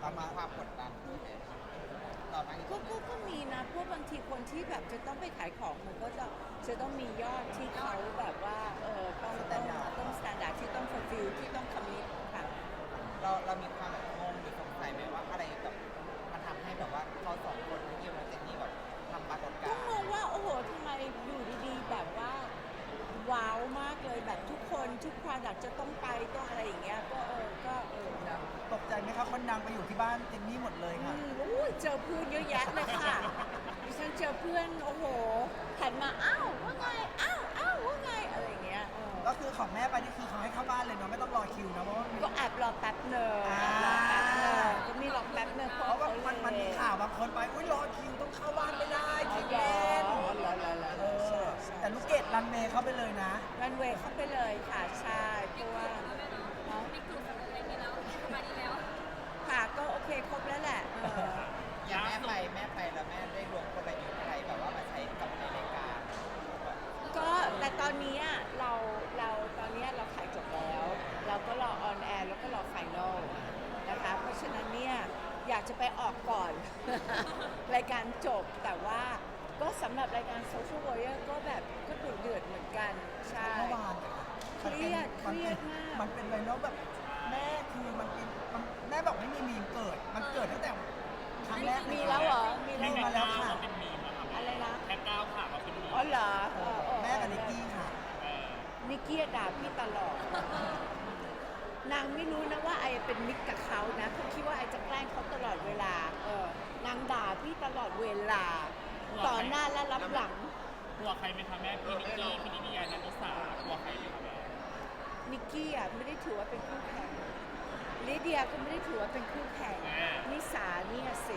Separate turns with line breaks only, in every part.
มันมีความกดดันด้วยไหมตอนนั้น
ก็มีนะพวกบางทีคนที่แบบจะต้องไปขายของมันก็จะต้องมียอดที่เขาแบบว่าต้องสแตนดาร์ดที่ต้อง fulfill ที่ต้อง commit ค่ะ
เรามีความแบบงงหรือสงสัยไหมว่าอะไรแบบมันทำให้แบบว่าเขาสองคนที่อยู่ในเจนนี่แบบทำปรากฏกา
ก็
รณ์
งงว่าโอ้โหทำไมอยู่ดีๆแบบว่าว้าวมากเลยแบบทุกคนทุก product จะต้องไปต้องอะไรอย่างเงี้ยก็
ตกใจไหมครับคนดังไปอยู่ที่บ้านเจนนี่หมดเลยค่ะ
อุ้ยเจอเพื่อนเยอะแยะเลยค่ะดิฉันเจอเพื่อนโอ้โหหันมาอ้าวว่าไงอ้าวว่าไงอะไรอย่างเงี้ย
ก็คือของแม่ไปนี่คือเขาให้เข้าบ้านเลยเนาะไม่ต้องรอคิวนะเพราะว่า
ก็แอบรอแป๊บเนอะ
อ่า
รอแป๊บเนอะก็มีรอแป๊บเนอะเพ
เพ
ราะ
ราะว่า
เขา
มันมีข่าวบางคนไปอุ้ยรอคิวต้องเข้าบ้านไม่ได้คิวแน่น
เหรอ
เออแต่ลูกเกดรันเมย์เข้าไปเลยนะ
รันเวย์เข้าไปเลยค่ะใช่เพราะว่า
ไม่กลุ่มอะไรนี้แล้วสบายดีแล้ว
ค่ะก็โอเคครบแล้วแหละ
อย่างแม่ไปแล้วแม่ได้รวมกลยุทธ์อะไรแบบว่ามาใช้กับในรายการ
ก็แต่ตอนนี้เราตอนนี้เราขายจบแล้ว เราก็รอออนแอร์แล้วก็รอไฟนอลนะคะเพราะฉะนั้นเนี่ยอยากจะไปออกก่อน รายการจบแต่ว่าก็สำหรับรายการ Social Warrior ก็แบบก็ดุเดือดเหมือนกันใช่
เมื่อวาน
เครียดมาก
มันเป็นเลยเนาะแบบแม่คือแม่บอกไม่มีมีมเกิด มันเกิดตั้งแต่ครั้งแรก
มีแล้วเหรอมี
มี
แล้ว
มาแล้วค่ะ
เป็นมีมอะครับ
อะไรนะ
แค่ก้าวขามาเป็นมีม
อ๋อเหรอ
แม่กับนิกกี้ค่ะ
นิกกี้ด่าพี่ตลอด นางไม่รู้นะว่าไอเป็นมิตรกับเขานะเขาคิดว่าไอจะแกล้งเขาตลอดเวลานางด่าพี่ตลอดเวลา ต่อหน้าและรับหลัง
กลัวใครไหมคะแม่พี่นิกกี้พี่นิติยานันทิสากลัวใครไหมคะแม่
นิกกี้อ่ะไม่ได้ถือว่าเป็นคู่แข่งลิเดียก็ไม่ได้ถือว่าเป็นคู่แข่งนิสาเนี่ยสิ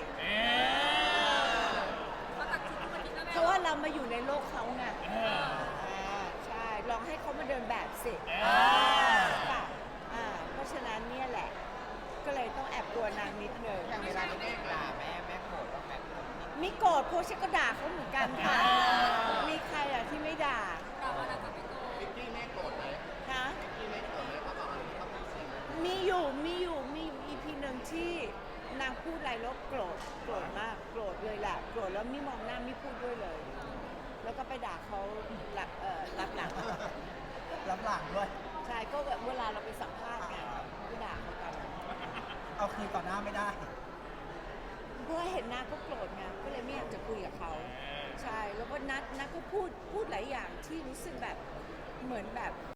เขาตัดชุดทุกวันนี้แล้วแม่
เพราะว่าเรามาอยู่ในโลกเขาไงใช่ลองให้เขามาเดินแบบสิป่ะเพราะฉะนั้นเนี่ยแหละ ก็เลยต้องแอบกลัวนางนิดหนึ่ง
อย่างเวลาที่แม่ด่าแม่โกรธว่าแบบ
มีโกรธเพราะฉันก็ด่าเขาเหมือนกันค่ะ มีใครอ่ะที่ไม่ด่า
เราว่าเราจะไม่โกง
ฮะมีอยู่อีพีหนึ่งที่นางพูดอะไรแล้วโกรธมากโกรธเลยแหละโกรธแล้วไม่มองหน้าไม่พูดด้วยเลย แล้วก็ไปด่าเขารับหลัง
รับหลังด้วย
ใช่ก็แบบเวลาเราไปสัมภาษณ์ไงก็ด่าเขากัน
เอาคืนต่อหน้าไม่ได้
เพราะว่าเห็นหน้าก็โกรธไงก็เลยไม่อยากจะคุยกับเขาใช่แล้วก็นัดก็พูดหลายอย่างที่รู้สึกแบบเหมือนแบบ